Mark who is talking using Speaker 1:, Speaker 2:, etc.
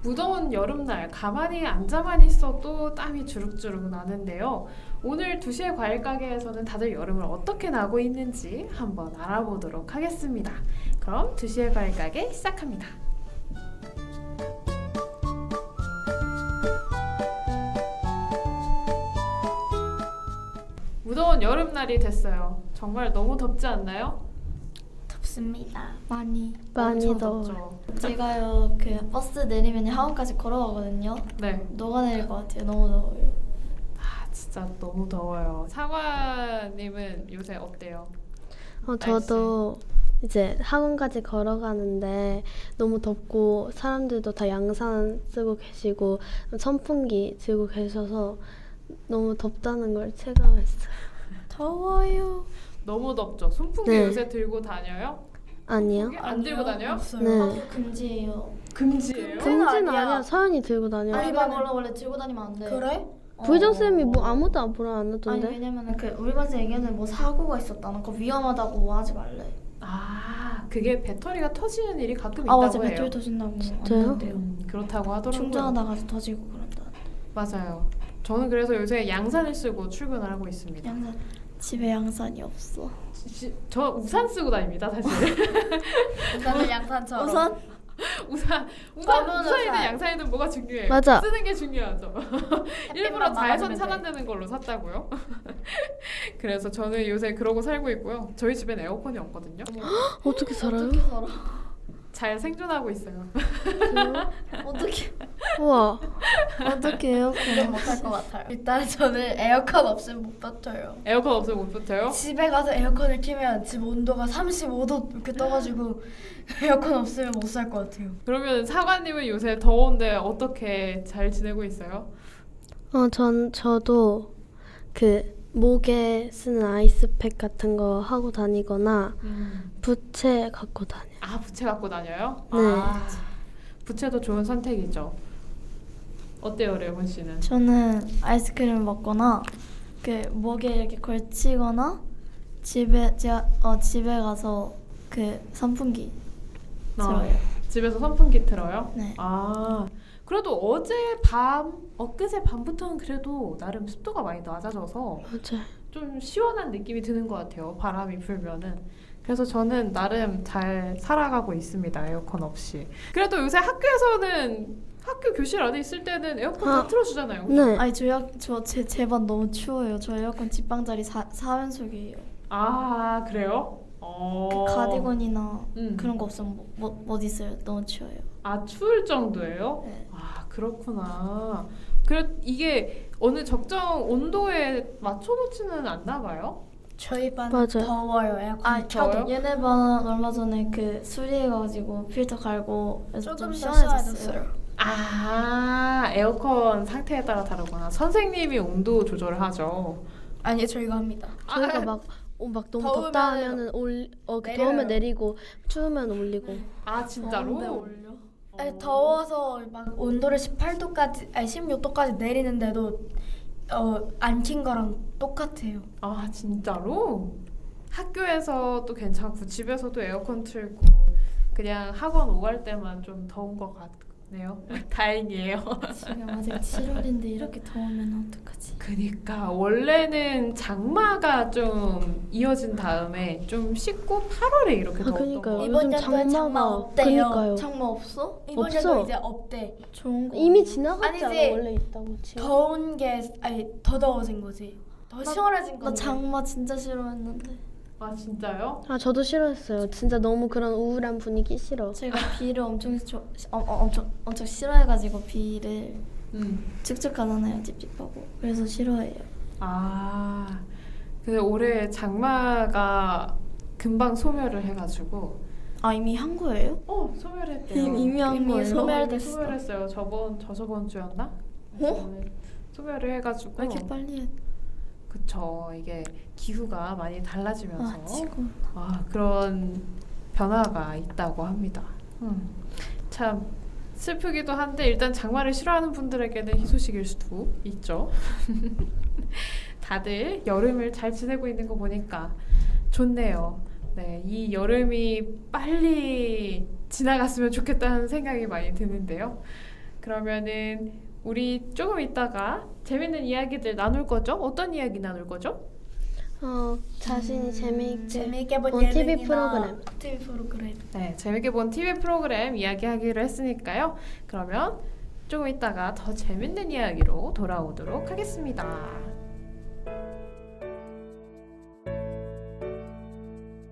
Speaker 1: 무더운 여름날 가만히 앉아만 있어도 땀이 주룩주룩 나는데요. 오늘 2시의 과일 가게에서는 다들 여름을 어떻게 나고 있는지 한번 알아보도록 하겠습니다. 그럼 2시의 과일 가게 시작합니다. 무더운 여름날이 됐어요. 정말 너무 덥지 않나요?
Speaker 2: 덥습니다. 많이
Speaker 1: 엄청
Speaker 3: 더워요.
Speaker 1: 덥죠.
Speaker 2: 제가요 그 버스 내리면 학원까지 걸어가거든요.
Speaker 1: 네.
Speaker 2: 녹아내릴 것 같아요. 너무 더워요.
Speaker 1: 진짜 너무 더워요. 사과님은 요새 어때요?
Speaker 3: 저도 이제 학원까지 걸어가는데 너무 덥고 사람들도 다 양산 쓰고 계시고 선풍기 들고 계셔서 너무 덥다는 걸 체감했어요.
Speaker 2: 더워요.
Speaker 1: 너무 덥죠? 손풍기
Speaker 3: 네.
Speaker 1: 요새 들고 다녀요?
Speaker 3: 아니요.
Speaker 1: 손풍기 안 들고 다녀요?
Speaker 2: 없어요.
Speaker 3: 네.
Speaker 2: 학교 금지예요.
Speaker 1: 금지예요?
Speaker 3: 금지는
Speaker 2: 아니야.
Speaker 3: 아니야. 서연이 들고 다녀요.
Speaker 2: 아니 원래 들고 다니면 안 돼.
Speaker 4: 그래?
Speaker 3: 부회장쌤이 뭐 아무도 안 보라 안
Speaker 2: 아니
Speaker 3: 하던데.
Speaker 2: 왜냐면은 그 우리 반에서 얘기하는 뭐 사고가 있었다는 거 위험하다고 하지 말래.
Speaker 1: 그게 배터리가 터지는 일이 가끔
Speaker 2: 아
Speaker 1: 있다고
Speaker 2: 맞아
Speaker 1: 해요.
Speaker 2: 배터리 터진다고
Speaker 3: 진짜요?
Speaker 2: 안 된대요.
Speaker 1: 그렇다고 하더라고요.
Speaker 2: 충전하다가도 터지고 그런다.
Speaker 1: 맞아요. 저는 그래서 요새 양산을 쓰고 출근을 하고 있습니다.
Speaker 2: 양산 집에 양산이 없어.
Speaker 1: 저 우산 쓰고 다닙니다, 사실.
Speaker 4: 우산은 양산처럼.
Speaker 2: 우선
Speaker 1: 우산이든 양산이든 뭐가 중요해요?
Speaker 3: 맞아.
Speaker 1: 쓰는 게 중요하죠. 일부러
Speaker 4: 햇빛만
Speaker 1: 자외선
Speaker 4: 막아주면
Speaker 1: 차단되는 걸로 샀다고요. 그래서 저는 요새 그러고 살고 있고요. 저희 집엔 에어컨이 없거든요.
Speaker 3: 어떻게 살아요?
Speaker 2: 어떻게 살아?
Speaker 1: 잘 생존하고 있어요.
Speaker 2: 어떻게
Speaker 3: 우와.
Speaker 2: 어떻게요?
Speaker 4: 그건 못할 것 같아요. 일단 저는 에어컨 없으면 못 버텨요.
Speaker 1: 에어컨 없으면 못 버텨요?
Speaker 4: 집에 가서 에어컨을 켜면 집 온도가 35도 이렇게 떠가지고 에어컨 없으면 못 살 것 같아요.
Speaker 1: 그러면 사관님은 요새 더운데 어떻게 잘 지내고 있어요?
Speaker 3: 저도 그 목에 쓰는 아이스팩 같은 거 하고 다니거나 부채 갖고 다녀요.
Speaker 1: 부채 갖고 다녀요?
Speaker 3: 네.
Speaker 1: 부채도 좋은 선택이죠. 어때요, 레몬 씨는?
Speaker 2: 저는 아이스크림을 먹거나 그 목에 이렇게 걸치거나 집에 가서 그 선풍기 들어요.
Speaker 1: 집에서 선풍기 틀어요?
Speaker 2: 네.
Speaker 1: 그래도 엊그제 밤부터는 그래도 나름 습도가 많이 낮아져서
Speaker 3: 맞아요.
Speaker 1: 좀 시원한 느낌이 드는 것 같아요. 바람이 불면은. 그래서 저는 나름 잘 살아가고 있습니다. 에어컨 없이. 그래도 요새 학교에서는 학교 교실 안에 있을 때는 에어컨 다 틀어주잖아요. 그죠?
Speaker 3: 네.
Speaker 2: 아니 제 반 너무 추워요. 저 에어컨 집방자리 4연속이에요.
Speaker 1: 그래요?
Speaker 2: 그 가디건이나
Speaker 1: 음.
Speaker 2: 그런 거 없으면 못 있어요. 너무 추워요.
Speaker 1: 추울 정도예요?
Speaker 2: 네.
Speaker 1: 그렇구나. 이게 어느 적정 온도에 맞춰놓지는 않나 봐요?
Speaker 4: 저희 반
Speaker 3: 맞아요.
Speaker 4: 더워요. 에어컨
Speaker 1: 더워요?
Speaker 4: 켜도.
Speaker 2: 얘네 반 얼마 전에 그 수리해가지고 필터 갈고 그래서
Speaker 4: 조금
Speaker 2: 좀
Speaker 4: 더
Speaker 2: 시원해졌어요.
Speaker 4: 시원해졌어요.
Speaker 1: 에어컨 상태에 따라 다르구나. 선생님이 온도 조절을 하죠.
Speaker 4: 아니 저희가 합니다.
Speaker 3: 저희가 막 너무 덥다
Speaker 4: 더우면은
Speaker 3: 하면은
Speaker 4: 내려요.
Speaker 3: 더우면 내리고 추우면 올리고.
Speaker 1: 진짜로?
Speaker 2: 더운데 올려?
Speaker 4: 아니, 더워서 막 온도를 18도까지 아니 16도까지 내리는데도 안 킨 거랑 똑같아요.
Speaker 1: 진짜로? 학교에서도 괜찮고 집에서도 에어컨 틀고 그냥 학원 오갈 때만 좀 더운 것 같네요. 다행이에요.
Speaker 2: 지금 아직 7월인데 이렇게 더우면 어떡하지?
Speaker 1: 그니까 원래는 장마가 좀 이어진 다음에 좀 쉽고 8월에 이렇게 더웠던
Speaker 3: 그니까요.
Speaker 1: 거.
Speaker 4: 이번
Speaker 3: 요즘
Speaker 4: 연도에 장마
Speaker 3: 장마가
Speaker 4: 없대요.
Speaker 3: 그니까요.
Speaker 2: 장마 없어?
Speaker 4: 이번
Speaker 3: 없어.
Speaker 4: 연도 이제 없대.
Speaker 2: 좋은 거
Speaker 3: 이미 지나갔잖아.
Speaker 4: 아니지.
Speaker 3: 원래 있다고 지금.
Speaker 4: 더운 게 아니 더 더워진 거지. 더 시원해진
Speaker 2: 나
Speaker 4: 건데.
Speaker 2: 장마 진짜 싫어했는데
Speaker 1: 진짜요?
Speaker 3: 저도 싫어했어요. 진짜 너무 그런 우울한 분위기 싫어.
Speaker 2: 제가 비를 엄청 싫어해가지고 비를 축축하잖아요 찝찝하고 그래서 싫어해요.
Speaker 1: 근데 올해 장마가 금방 소멸을 해가지고
Speaker 2: 이미 한 거예요?
Speaker 1: 소멸했대요.
Speaker 2: 이미 한 거예요?
Speaker 4: 소멸됐어.
Speaker 1: 소멸했어요. 저저번 주였나? 소멸을 해가지고
Speaker 2: 왜 이렇게 빨리 해?
Speaker 1: 그쵸. 이게 기후가 많이 달라지면서
Speaker 2: 지금
Speaker 1: 그런 변화가 있다고 합니다. 참 슬프기도 한데 일단 장마를 싫어하는 분들에게는 희소식일 수도 있죠. 다들 여름을 잘 지내고 있는 거 보니까 좋네요. 네, 이 여름이 빨리 지나갔으면 좋겠다는 생각이 많이 드는데요. 그러면은 우리 조금 있다가 재밌는 이야기들 나눌 거죠? 어떤 이야기 나눌 거죠?
Speaker 3: 자신이
Speaker 4: 재미있게 본
Speaker 3: 본 TV
Speaker 4: 예능이나
Speaker 3: 프로그램.
Speaker 4: TV 프로그램.
Speaker 1: 네, 재밌게 본 TV 프로그램 이야기하기로 했으니까요. 그러면 조금 있다가 더 재밌는 이야기로 돌아오도록 하겠습니다.